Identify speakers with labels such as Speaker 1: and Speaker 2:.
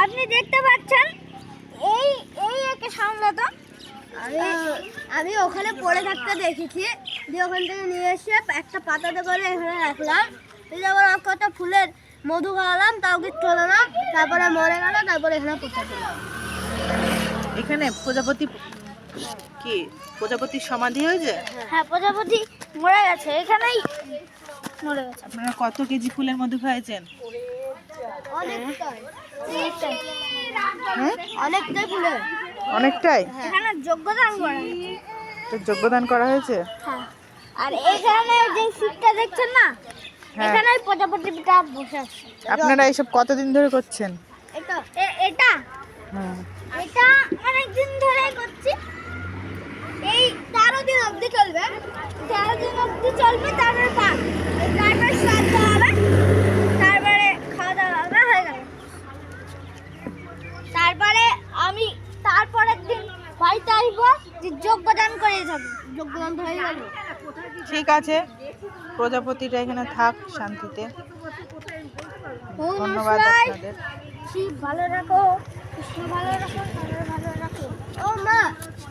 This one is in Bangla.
Speaker 1: আপনি দেখতে পাচ্ছেন এই এই একে সামলাতো আমি ওখানে পড়ে থাকতে দেখেছি, দিয়ে ওখান থেকে নিয়ে এসে একটা পাতাতে করে এখানে রাখলাম, তারপর কত ফুলের মধু খাওয়ালাম, তাও কিচ্ছু হলো না, তারপরে মরে গেল, তারপরে এখানে পোষা দিলাম।
Speaker 2: এখানে প্রজাপতি কি প্রজাপতির সমাধি হয়েছে?
Speaker 1: হ্যাঁ, প্রজাপতি মরে গেছে, এখানেই মরে গেছে।
Speaker 2: আপনারা কত কেজি ফুলের মধু খাইছেন?
Speaker 1: অনেকটাই
Speaker 2: হ্যাঁ,
Speaker 1: অনেকটাই ফুলের,
Speaker 2: অনেকটাই।
Speaker 1: এখানে যোগ্যদান করা
Speaker 2: তো যোগ্যদান করা হয়েছে।
Speaker 1: হ্যাঁ, আর এখানে যে সিটটা দেখছেন না,
Speaker 2: হ্যাঁ।
Speaker 1: এখানে প্রজাপতিটা বসে আছে।
Speaker 2: আপনারা এইসব কতদিন ধরে করছেন?
Speaker 1: এটা
Speaker 2: হুম।
Speaker 1: এটা অনেকদিন ধরে করছি, এই 13 দিন অবধি চলবে, 13 দিন অবধি চলবে, তারপরে তারপরে শ্রাদ্ধ হবে, তারপরে খাওয়া দাওয়া হবে, হয়ে গেল। তারপরে আমি তারপরের দিন বাড়িতে আসবো, যে যোগ্যদান করে যাবো, যোগ্যদান তো হয়ে গেল।
Speaker 2: ঠিক আছে, প্রজাপতিটা এখানে থাক শান্তিতে। ধন্যবাদ আপনাদের।
Speaker 1: শিব ভালো রাখো, কৃষ্ণ ভালো রাখো, ভালো রাখো। ও মা।